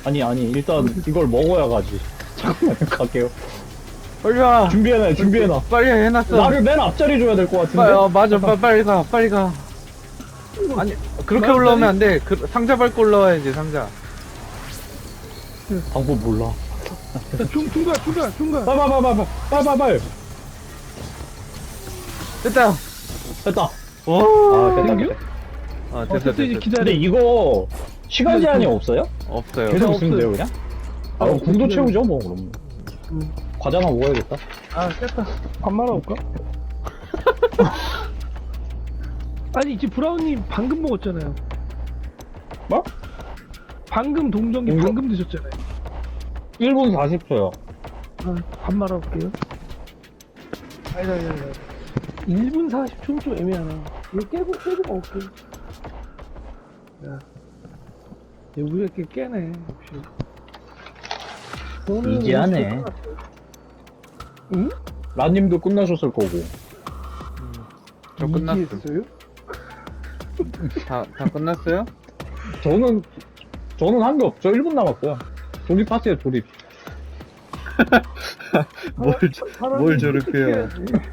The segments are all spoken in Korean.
아니, 일단 이걸 먹어야 가지. 잠깐만요, 갈게요. 빨리 와. 준비해놔. 빨리 해놨어. 나를 맨 앞자리 줘야 될 것 같은데? 맞아. 빨리 가. 빨리 가. 아니, 그렇게 맞다니? 올라오면 안 돼. 상자 밟고 올라와야지, 상자. 방법 몰라. 중간. 빨. 됐다. 됐다. 오. 됐다. 됐어. 이제 근데 기다려. 이거 시간 제한이 없어요? 없어요. 계속 없어요. 있으면 돼요, 그냥? 그럼 궁도 채우죠, 뭐, 그럼. 음. 과자나 먹어야겠다. 깼다. 밥 말아올까? 아니, 이제 브라운님 방금 먹었잖아요. 뭐? 방금 동정이 동정? 방금 드셨잖아요. 1분 40초요. 밥 말아올게요. 아니다. 1분 40초는 좀 애매하나. 이거 깨고 먹을게. 야. 우리가 이렇게 깨네, 역시. 저는 이제 하네. 오늘 끝났어요. 응? 라님도 끝나셨을 거고. 저 끝났어. 이지했어요? 다 끝났어요? 저는 한 게 없죠. 1분 남았어요. 조립하세요, 조립. 뭘 저렇게요.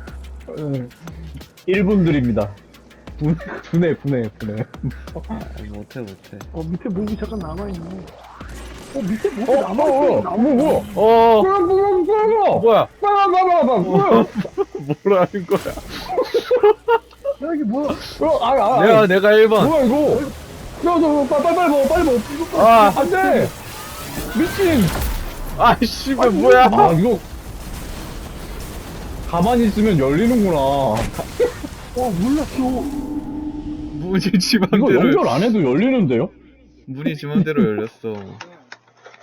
1분 드립니다. 분해. 못해. 밑에 목이 잠깐 남아있네. 밑에 목이 남아있어. 뭐야? 어, 뭐야? 뭐야? 뭐야? 뭐라는 거야? 야, 이게 뭐야? 내가 1번. 뭐야 이거? 빨리 먹어. 아. 안 돼. 미친. 씨발, 뭐야? 이거 가만히 있으면 열리는구나. 몰랐어. 문이 지 이거 맘대로 연결 안 해도 열리는데요? 문이 지 맘대로 열렸어.